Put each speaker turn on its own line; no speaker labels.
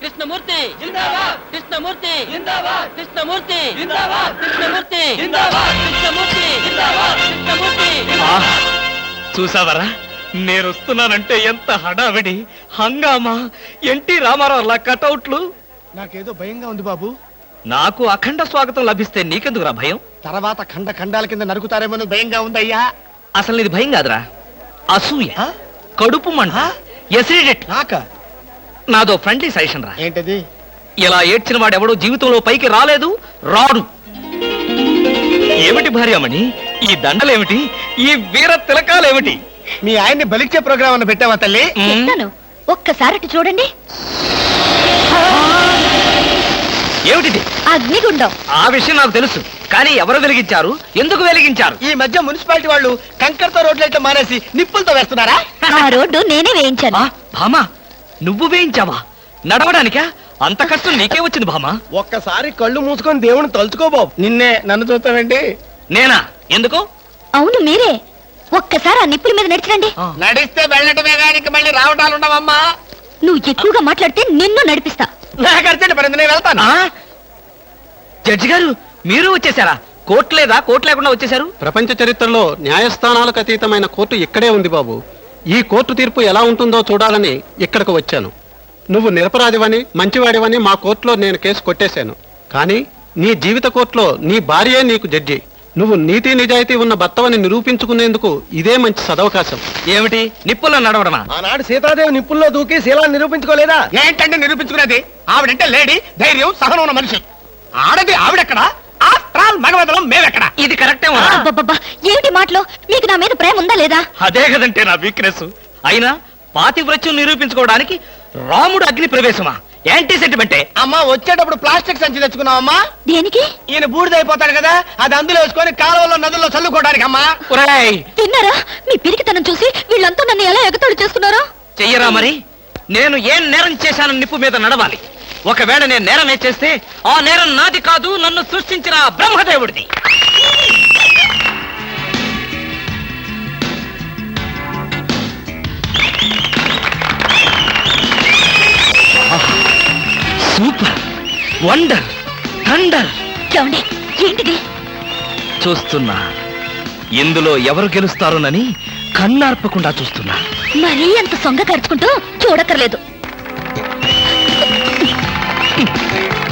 కృష్ణమూర్తి జిందాబాద్, కృష్ణమూర్తి జిందాబాద్, కృష్ణమూర్తి జిందాబాద్, కృష్ణమూర్తి జిందాబాద్, కృష్ణమూర్తి జిందాబాద్, కృష్ణమూర్తి.
చూసావరా, నేను వస్తున్నానంటే ఎంత హడావిడి హంగామా. ఎన్టీ రామారావు కటౌట్లు.
నాకేదో భయంగా ఉంది బాబు.
నాకు అఖండ స్వాగతం లభిస్తే నీకెందుకురా భయం?
తర్వాత ఖండ ఖండాల కింద నరుకుతారేమో భయంగా ఉందయ్యా.
అసలు ఇది భయం కాదురా, అసూయ, కడుపు మంట, ఎసిడిటీ. నాదో ఫ్రెండ్లీ సజెషన్ రా.
ఏంటది?
ఇలా ఏడ్చిన వాడెవడో జీవితంలో పైకి రాలేదు, రాడు. ఏమిటి భార్యామణి ఈ దండలేమిటి, ఈ వీర తిలకాలేమిటి?
మీ ఆయన్ని బలిచ్చే ప్రోగ్రామ్ అన్న పెట్టావా తల్లి?
ఒక్కసారి చూడండి.
ఏమిటిది?
అగ్నిగుండం.
ఆ విషయం నాకు తెలుసు, కానీ ఎవరు వెలిగించారు, ఎందుకు వెలిగించారు?
ఈ మధ్య మున్సిపాలిటీ వాళ్ళు కంకరతో రోడ్లైతే మానేసి నిప్పులతో వేస్తున్నారా?
ఆ రోడ్డు నేనే వేయించాను.
భామా, నువ్వు వేయించావా? నడవడానికా? అంత కష్టం నీకే వచ్చింది భామా?
ఒక్కసారి కళ్ళు మూసుకొని దేవుని తలుచుకో బాబు. నిన్నే, నన్ను చూస్తావేంటి?
నేనా? ఎందుకు?
అవును మీరే. ఒక్కసారి ఆ నిప్పుల మీద నడిచిరండి.
నడిస్తే వెళ్ళటమే కానీ మళ్ళీ రావటాలు ఉండవమ్మా.
నువ్వు ఎక్కువగా మాట్లాడితే నిన్ను నడిపిస్తా.
నాకు అర్జెంట్ పడింది, నేను వెళ్తాను.
జడ్జి గారు, మీరు వచ్చేసారా? కోర్టు లేదా? కోర్టు లేకుండా వచ్చేసారు?
ప్రపంచ చరిత్రలో న్యాయస్థానాలకు అతీతమైన కోర్టు ఇక్కడే ఉంది బాబు. ఈ కోర్టు తీర్పు ఎలా ఉంటుందో చూడాలని ఇక్కడికి వచ్చాను. నువ్వు నిరపరాధివని, మంచివాడివని మా కోర్టులో నేను కేసు కొట్టేశాను. కానీ నీ జీవిత కోర్టులో నీ భార్యే నీకు జడ్జి. నువ్వు నీతి నిజాయితీ ఉన్న భర్తవని నిరూపించుకునేందుకు ఇదే మంచి సదవకాశం.
ఏమిటి, నిప్పుల్లో నడవడమా?
ఆనాడు సీతాదేవి నిప్పుల్లో దూకి శీలాన్ని నిరూపించుకోలేదా? ఏంటంటే నిరూపించుకునేది? ఆవిడంటే లేడీ, ధైర్యం, సహనం ఉన్న మనిషి. ఆడది ఆవిడెక్కడా? మగవదలం మేమెక్కడా?
ఇది కరెక్టే.
ఏమిటి మాటలు? మీకు నా మీద ప్రేమ ఉందా లేదా?
అదే కదంటే నా వీక్నెస్. అయినా పాతివ్రత్యం నిరూపించుకోవడానికి రాముడు అగ్ని ప్రవేశమా? యాంటీ సెంటిమెంటే.
అమ్మా, వచ్చేటప్పుడు ప్లాస్టిక్ సంచి తెచ్చుకున్నావమ్మా.
దేనికి?
ఈయన బూడిదైపోతాడు కదా, అది అందులో వేసుకొని కాలువలో నదుల్లో చల్లుకోవడానికి. అమ్మా
తిన్నారా? మీ పిరికితనం చూసి వీళ్ళంతా నన్ను ఎలా ఎగతాడు చేస్తున్నారో.
చెయ్యరా మరి. నేను ఏం నేరం చేశాను నిప్పు మీద నడవాలి. ఒకవేళ నేను నేరమే చేస్తే ఆ నేరం నాది కాదు, నన్ను సృష్టించిన బ్రహ్మదేవుడిది. Super, wonder, thunder.
ఏంటిది?
చూస్తున్నా, ఇందులో ఎవరు గెలుస్తారోనని కన్నార్పకుండా చూస్తున్నా.
మరీ అంత సొంగ ఖర్చుకుంటూ చూడక్కర్లేదు.